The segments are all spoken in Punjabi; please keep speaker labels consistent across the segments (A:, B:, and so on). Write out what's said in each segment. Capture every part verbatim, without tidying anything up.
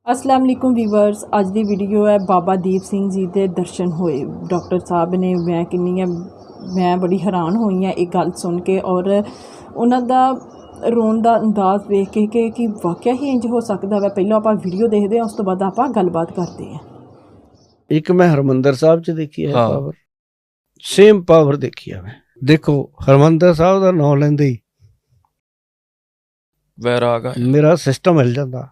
A: अस्सलाम वालेकुम व्यूवर्स। अज दी वीडियो है बाबा दीप सिंह जी के दर्शन होए। डॉक्टर साहब ने मैं किन्नी मैं बड़ी हैरान हुई हाँ एक गल सुन के और उन्हों का रोन का अंदाज देख के कि, कि वाकया ही इंज हो सकता है। पहले आप वीडियो देखते हैं, उस तो बाद आप गलबात करते हैं।
B: एक मैं हरमंदर साहब च देखी है
C: हाँ।
B: पावर, सेम पावर देखी है मैं। देखो हरमंदर साहब का नाम लेंदे ही
C: वैराग आया।
B: मेरा सिस्टम हिल जाता,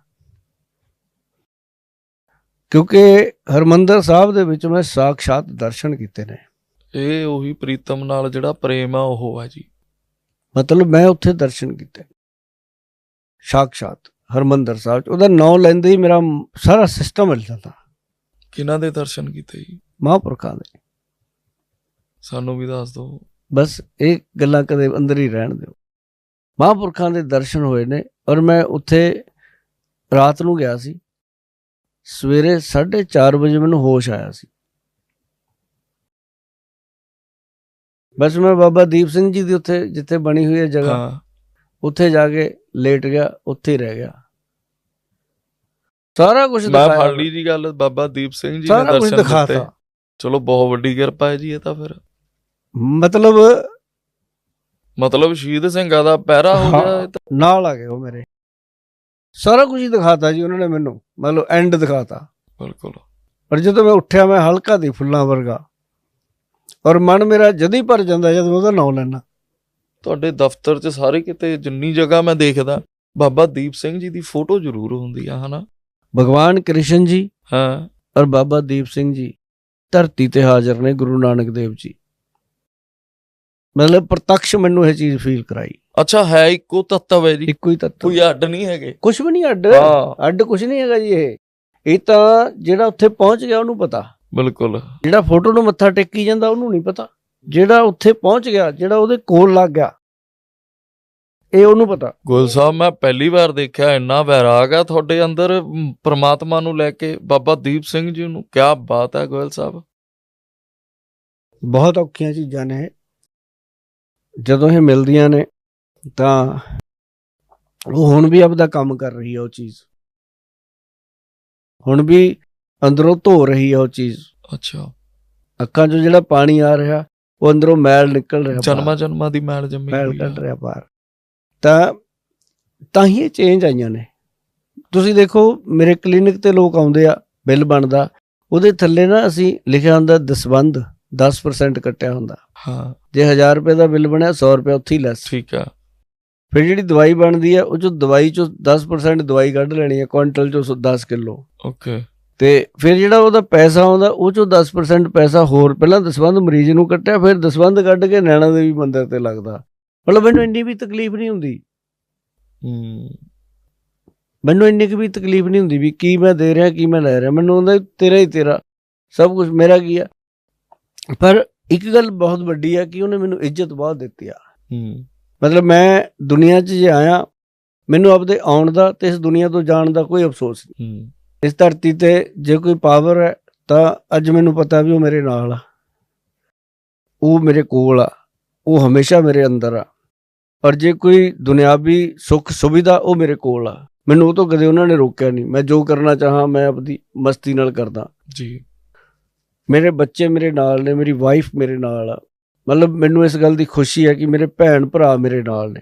B: क्योंकि हरमंदर साहब दे विच मैं साक्षात दर्शन कीते ने।
C: ਇਹ ਉਹੀ ਪ੍ਰੀਤਮ ਨਾਲ ਜਿਹੜਾ ਪ੍ਰੇਮ ਆ ਉਹ ਆ ਜੀ।
B: मतलब मैं उत्थे दर्शन कीते साक्षात हरमंदर साहब च। ਉਹਦਾ ਨਾਮ ਲੈਂਦੇ ਹੀ ਮੇਰਾ ਸਾਰਾ सिस्टम हिल जाता।
C: ਕਿਹਨਾਂ ਦੇ ਦਰਸ਼ਨ ਕੀਤੇ ਜੀ?
B: महापुरखों दे।
C: ਸਾਨੂੰ ਵੀ ਦੱਸ ਦਿਓ।
B: बस ਇਹ ਗੱਲਾਂ ਕਦੇ ਅੰਦਰ ਹੀ ਰਹਿਣ ਦਿਓ। महापुरखों ਦੇ दर्शन ਹੋਏ ਨੇ ਔਰ ਮੈਂ ਉੱਥੇ ਰਾਤ ਨੂੰ ਗਿਆ ਸੀ। ਸਵੇਰੇ ਸਾਢੇ ਚਾਰ ਵਜੇ ਮੈਨੂੰ ਹੋਸ਼ ਆਇਆ ਸੀ। बस मैं बाबा दीप सिंह जी ਦੀ ਉੱਥੇ ਜਿੱਥੇ ਬਣੀ ਹੋਈ ਹੈ ਜਗ੍ਹਾ,
C: ਹਾਂ
B: ਉੱਥੇ ਜਾ ਕੇ ਲੇਟ ਗਿਆ, ਉੱਥੇ ਹੀ ਰਹਿ ਗਿਆ। ਸਾਰਾ ਕੁਝ
C: ਮੈਂ ਫੜ ਲਈ ਜੀ ਗੱਲ। ਬਾਬਾ ਦੀਪ ਸਿੰਘ ਜੀ ਨੇ
B: ਸਾਰਾ ਕੁਝ
C: ਦਰਸ਼ਨ
B: ਦਿਖਾਤਾ।
C: ਦਿੱਤੇ। ਚਲੋ ਬਹੁਤ ਵੱਡੀ ਕਿਰਪਾ ਹੈ ਜੀ ਇਹ ਤਾਂ। ਫਿਰ
B: ਮਤਲਬ
C: ਮਤਲਬ ਸ਼ਹੀਦ ਸਿੰਘਾਂ ਦਾ ਪਹਿਰਾ ਹੋ ਗਿਆ ਇਹ ਤਾਂ।
B: ਨਾਲ ਆ ਗਏ ਉਹ ਮੇਰੇ, ਸਾਰਾ ਕੁਝ ਹੀ ਦਿਖਾਤਾ ਜੀ ਉਹਨਾਂ ਨੇ ਮੈਨੂੰ। ਮਤਲਬ ਐਂਡ ਦਿਖਾਤਾ।
C: ਬਿਲਕੁਲ।
B: ਪਰ ਜਦੋਂ ਮੈਂ ਉੱਠਿਆ ਮੈਂ ਹਲਕਾ ਦੀ ਫੁੱਲਾਂ ਵਰਗਾ, ਔਰ ਮਨ ਮੇਰਾ ਜਦ ਹੀ ਭਰ ਜਾਂਦਾ ਜਦੋਂ ਉਹਦਾ ਨਾਮ ਲੈਣਾ।
C: ਤੁਹਾਡੇ ਦਫ਼ਤਰ 'ਚ ਸਾਰੇ ਕਿਤੇ ਜਿੰਨੀ ਜਗ੍ਹਾ ਮੈਂ ਦੇਖਦਾ ਬਾਬਾ ਦੀਪ ਸਿੰਘ ਜੀ ਦੀ ਫੋਟੋ ਜ਼ਰੂਰ ਹੁੰਦੀ ਆ, ਹਨਾ?
B: ਭਗਵਾਨ ਕ੍ਰਿਸ਼ਨ ਜੀ
C: ਹਾਂ।
B: ਔਰ ਬਾਬਾ ਦੀਪ ਸਿੰਘ ਜੀ ਧਰਤੀ ਤੇ ਹਾਜ਼ਰ ਨੇ, ਗੁਰੂ ਨਾਨਕ ਦੇਵ ਜੀ। ਮਤਲਬ ਪ੍ਰਤੱਖ ਮੈਨੂੰ ਇਹ ਚੀਜ਼ ਫੀਲ ਕਰਾਈ।
C: ਅੱਛਾ, ਹੈ ਇੱਕੋ ਤੱਤਵ ਹੈ ਜੀ,
B: ਇੱਕੋ ਹੀ ਤੱਤ,
C: ਕੋਈ ਅੱਡ ਨਹੀਂ ਹੈਗੇ।
B: ਕੁਛ ਵੀ ਨਹੀਂ ਅੱਡ।
C: ਹਾਂ
B: ਅੱਡ ਕੁਛ ਨਹੀਂ ਹੈਗਾ ਜੀ। ਇਹ ਇਹ ਤਾਂ ਜਿਹੜਾ ਉੱਥੇ ਪਹੁੰਚ ਗਿਆ ਉਹਨੂੰ ਪਤਾ।
C: ਬਿਲਕੁਲ।
B: ਜਿਹੜਾ ਫੋਟੋ ਨੂੰ ਮੱਥਾ ਟੇਕੀ ਜਾਂਦਾ ਉਹਨੂੰ ਨਹੀਂ ਪਤਾ। ਜਿਹੜਾ ਉੱਥੇ ਪਹੁੰਚ ਗਿਆ, ਜਿਹੜਾ ਉਹਦੇ ਕੋਲ ਲੱਗ ਗਿਆ, ਇਹ ਉਹਨੂੰ ਪਤਾ।
C: ਗੋਇਲ ਸਾਹਿਬ, ਮੈਂ ਪਹਿਲੀ ਵਾਰ ਦੇਖਿਆ ਇੰਨਾ ਵੈਰਾਗ ਆ ਤੁਹਾਡੇ ਅੰਦਰ ਪ੍ਰਮਾਤਮਾ ਨੂੰ ਲੈ ਕੇ, ਬਾਬਾ ਦੀਪ ਸਿੰਘ ਜੀ ਨੂੰ। ਕਿਆ ਬਾਤ ਹੈ ਗੋਇਲ ਸਾਹਿਬ।
B: ਬਹੁਤ ਔਖੀਆਂ ਚੀਜ਼ਾਂ ਨੇ। ਜਦੋਂ ਇਹ ਮਿਲਦੀਆਂ ਨੇ ਤਾਂ ਉਹ ਹੁਣ ਵੀ ਆਪਦਾ ਕੰਮ ਕਰ ਰਹੀ ਹੈ। ਉਹ ਚੀਜ਼ ਹੁਣ ਵੀ ਅੰਦਰੋਂ ਧੋ ਰਹੀ ਹੈ ਉਹ ਚੀਜ਼।
C: ਅੱਛਾ।
B: ਅੱਖਾਂ 'ਚੋਂ ਜਿਹੜਾ ਪਾਣੀ ਆ ਰਿਹਾ ਉਹ ਅੰਦਰੋਂ ਮੈਲ ਨਿਕਲ ਰਿਹਾ,
C: ਜਨਮਾਂ ਜਨਮਾਂ ਦੀ ਮੈਲ ਜੰਮੀ
B: ਮੈਲ
C: ਹੋਈ ਆ।
B: ਕੱਢ ਰਿਹਾ ਬਾਹਰ। ਤਾਂ ਤਾਂ ਹੀ ਇਹ ਚੇਂਜ ਆਈਆਂ ਨੇ। ਤੁਸੀਂ ਦੇਖੋ ਮੇਰੇ ਕਲੀਨਿਕ ਤੇ ਲੋਕ ਆਉਂਦੇ ਆ, ਬਿੱਲ ਬਣਦਾ, ਉਹਦੇ ਥੱਲੇ ਨਾ ਅਸੀਂ ਲਿਖਿਆ ਹੁੰਦਾ ਦਸਵੰਧ, ਦਸ ਪਰਸੈਂਟ ਕੱਟਿਆ ਹੁੰਦਾ।
C: ਹਾਂ
B: ਜੇ ਹਜ਼ਾਰ ਰੁਪਏ ਦਾ ਬਿੱਲ ਬਣਿਆ ਸੌ ਰੁਪਏ ਉੱਥੇ ਹੀ ਲੈਸ।
C: ਠੀਕ ਆ।
B: ਫਿਰ ਜਿਹੜੀ ਦਵਾਈ ਬਣਦੀ ਹੈ ਉਹ 'ਚੋਂ ਦਵਾਈ 'ਚੋਂ ਦਸ ਪਰਸੈਂਟ ਦਵਾਈ ਕੱਢ ਲੈਣੀ ਹੈ, ਕੁਆਂਟਲ 'ਚੋਂ ਦਸ ਕਿੱਲੋ।
C: ਓਕੇ।
B: ਤੇ ਫਿਰ ਜਿਹੜਾ ਉਹਦਾ ਪੈਸਾ ਆਉਂਦਾ ਉਹ 'ਚੋਂ ਦਸ ਪਰਸੈਂਟ ਪੈਸਾ ਹੋਰ ਪਹਿਲਾਂ ਦਸਵੰਧ ਮਰੀਜ਼ ਨੂੰ ਕੱਟਿਆ, ਫਿਰ ਦਸਵੰਧ ਕੱਢ ਕੇ ਨੈਣਾ ਦੇਵੀ ਮੰਦਿਰ ਤੇ ਲੱਗਦਾ। ਮਤਲਬ ਮੈਨੂੰ ਇੰਨੀ ਵੀ ਤਕਲੀਫ ਨਹੀਂ ਹੁੰਦੀ।
C: ਹੂੰ।
B: ਮੈਨੂੰ ਇੰਨੀ ਕੁ ਵੀ ਤਕਲੀਫ ਨਹੀਂ ਹੁੰਦੀ ਵੀ ਕੀ ਮੈਂ ਦੇ ਰਿਹਾ ਕੀ ਮੈਂ ਲੈ ਰਿਹਾ। ਮੈਨੂੰ ਹੁੰਦਾ ਤੇਰਾ ਹੀ ਤੇਰਾ, ਸਭ ਕੁਝ ਮੇਰਾ ਕੀ ਆ। ਪਰ ਇੱਕ ਗੱਲ ਬਹੁਤ ਵੱਡੀ ਆ ਕਿ ਉਹਨੇ ਮੈਨੂੰ ਇੱਜ਼ਤ ਬਹੁਤ ਦਿੱਤੀ ਆ।
C: ਹੂੰ।
B: ਮਤਲਬ ਮੈਂ ਦੁਨੀਆ 'ਚ ਜੇ ਆਇਆ, ਮੈਨੂੰ ਆਪਦੇ ਆਉਣ ਦਾ ਤੇ ਇਸ ਦੁਨੀਆ ਤੋਂ ਜਾਣ ਦਾ ਕੋਈ ਅਫਸੋਸ ਨਹੀਂ।
C: ਹੂੰ।
B: ਇਸ ਧਰਤੀ ਤੇ ਜੇ ਕੋਈ ਪਾਵਰ ਹੈ ਤਾਂ ਅੱਜ ਮੈਨੂੰ ਪਤਾ ਵੀ ਉਹ ਮੇਰੇ ਨਾਲ ਆ, ਉਹ ਮੇਰੇ ਕੋਲ ਆ, ਉਹ ਹਮੇਸ਼ਾ ਮੇਰੇ ਅੰਦਰ ਆ। ਔਰ ਜੇ ਕੋਈ ਦੁਨਿਆਵੀ ਸੁੱਖ ਸੁਵਿਧਾ ਉਹ ਮੇਰੇ ਕੋਲ ਆ, ਮੈਨੂੰ ਉਹ ਤੋਂ ਕਦੇ ਉਹਨਾਂ ਨੇ ਰੋਕਿਆ ਨਹੀਂ। ਮੈਂ ਜੋ ਕਰਨਾ ਚਾਹਾਂ ਮੈਂ ਆਪਦੀ ਮਸਤੀ ਨਾਲ ਕਰਦਾ
C: ਜੀ।
B: ਮੇਰੇ ਬੱਚੇ ਮੇਰੇ ਨਾਲ ਨੇ, ਮੇਰੀ ਵਾਈਫ ਮੇਰੇ ਨਾਲ ਆ। ਮਤਲਬ ਮੈਨੂੰ ਇਸ ਗੱਲ ਦੀ ਖੁਸ਼ੀ ਹੈ ਕਿ ਮੇਰੇ ਭੈਣ ਭਰਾ ਮੇਰੇ ਨਾਲ ਨੇ।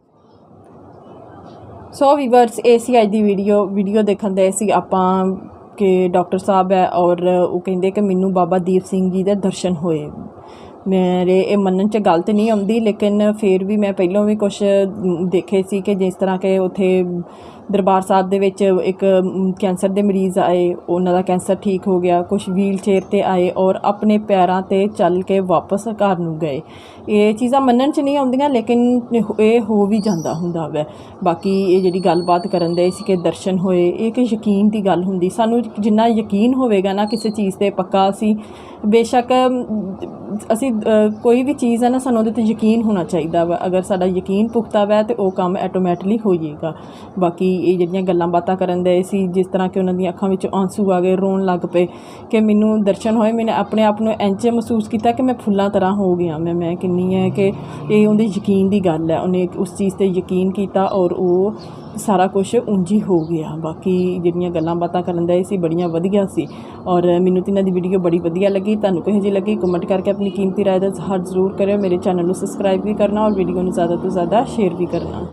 A: ਸੋ ਵੀਵਰਸ, ਇਹ ਸੀ ਅੱਜ ਦੀ ਵੀਡੀਓ। ਵੀਡੀਓ ਦੇਖਣ ਦੇ ਸੀ ਆਪਾਂ ਕਿ ਡਾਕਟਰ ਸਾਹਿਬ ਹੈ ਔਰ ਉਹ ਕਹਿੰਦੇ ਕਿ ਮੈਨੂੰ ਬਾਬਾ ਦੀਪ ਸਿੰਘ ਜੀ ਦੇ ਦਰਸ਼ਨ ਹੋਏ। ਮੇਰੇ ਇਹ ਮੰਨਣ 'ਚ ਗੱਲ ਤਾਂ ਨਹੀਂ ਆਉਂਦੀ, ਲੇਕਿਨ ਫਿਰ ਵੀ ਮੈਂ ਪਹਿਲਾਂ ਵੀ ਕੁਛ ਦੇਖੇ ਸੀ ਕਿ ਜਿਸ ਤਰ੍ਹਾਂ ਕਿ ਉੱਥੇ ਦਰਬਾਰ ਸਾਹਿਬ ਦੇ ਵਿੱਚ ਇੱਕ ਕੈਂਸਰ ਦੇ ਮਰੀਜ਼ ਆਏ, ਉਹਨਾਂ ਦਾ ਕੈਂਸਰ ਠੀਕ ਹੋ ਗਿਆ। ਕੁਛ ਵੀਲ ਚੇਅਰ 'ਤੇ ਆਏ ਔਰ ਆਪਣੇ ਪੈਰਾਂ 'ਤੇ ਚੱਲ ਕੇ ਵਾਪਸ ਘਰ ਨੂੰ ਗਏ। ਇਹ ਚੀਜ਼ਾਂ ਮੰਨਣ 'ਚ ਨਹੀਂ ਆਉਂਦੀਆਂ, ਲੇਕਿਨ ਇਹ ਹੋ ਵੀ ਜਾਂਦਾ ਹੁੰਦਾ ਵੈ। ਬਾਕੀ ਇਹ ਜਿਹੜੀ ਗੱਲਬਾਤ ਕਰਨ ਦੇ ਸੀ ਕਿ ਦਰਸ਼ਨ ਹੋਏ, ਇਹ ਕਿ ਯਕੀਨ ਦੀ ਗੱਲ ਹੁੰਦੀ। ਸਾਨੂੰ ਜਿੰਨਾ ਯਕੀਨ ਹੋਵੇਗਾ ਨਾ ਕਿਸੇ ਚੀਜ਼ 'ਤੇ ਪੱਕਾ, ਅਸੀਂ ਬੇਸ਼ੱਕ ਅਸੀਂ ਕੋਈ ਵੀ ਚੀਜ਼ ਹੈ ਨਾ, ਸਾਨੂੰ ਉਹਦੇ 'ਤੇ ਯਕੀਨ ਹੋਣਾ ਚਾਹੀਦਾ ਵਾ। ਅਗਰ ਸਾਡਾ ਯਕੀਨ ਪੁਖਤਾ ਵੈ ਤਾਂ ਉਹ ਕੰਮ ਆਟੋਮੈਟਿਕਲੀ ਹੋ ਜਾਏਗਾ। ਬਾਕੀ ਇਹ ਜਿਹੜੀਆਂ ਗੱਲਾਂ ਬਾਤਾਂ ਕਰਨ ਦੇ ਸੀ, ਜਿਸ ਤਰ੍ਹਾਂ ਕਿ ਉਹਨਾਂ ਦੀਆਂ ਅੱਖਾਂ ਵਿੱਚ ਆਂਸੂ ਆ ਗਏ, ਰੋਣ ਲੱਗ ਪਏ ਕਿ ਮੈਨੂੰ ਦਰਸ਼ਨ ਹੋਏ। ਮੈਨੇ ਆਪਣੇ ਆਪ ਨੂੰ ਇੰਝ ਮਹਿਸੂਸ ਕੀਤਾ ਕਿ ਮੈਂ ਫੁੱਲਾਂ ਤਰ੍ਹਾਂ ਹੋ ਗਿਆ। ਮੈਂ ਮੈਂ ਕਿੰਨੀ ਹੈ ਕਿ ਇਹ ਉਹਦੇ ਯਕੀਨ ਦੀ ਗੱਲ ਹੈ, ਉਹਨੇ ਉਸ ਚੀਜ਼ 'ਤੇ ਯਕੀਨ ਕੀਤਾ ਔਰ ਉਹ ਸਾਰਾ ਕੁਛ ਉਂਝ ਹੀ ਹੋ ਗਿਆ। ਬਾਕੀ ਜਿਹੜੀਆਂ ਗੱਲਾਂ ਬਾਤਾਂ ਕਰਨ ਦੇ ਸੀ ਬੜੀਆਂ ਵਧੀਆ ਸੀ ਔਰ ਮੈਨੂੰ ਤਾਂ ਇਹਨਾਂ ਦੀ ਵੀਡੀਓ ਬੜੀ ਵਧੀਆ ਲੱਗੀ। ਤੁਹਾਨੂੰ ਕਿਹੋ ਜਿਹੀ ਲੱਗੀ ਕਮੈਂਟ ਕਰਕੇ ਆਪਣੀ ਕੀਮਤੀ ਰਾਏ ਦਾ ਇਜ਼ਹਾਰ ਜ਼ਰੂਰ ਕਰਿਓ। ਮੇਰੇ ਚੈਨਲ ਨੂੰ ਸਬਸਕ੍ਰਾਈਬ ਵੀ ਕਰਨਾ ਔਰ ਵੀਡੀਓ ਨੂੰ ਜ਼ਿਆਦਾ ਤੋਂ ਜ਼ਿਆਦਾ ਸ਼ੇਅਰ ਵੀ ਕਰਨਾ।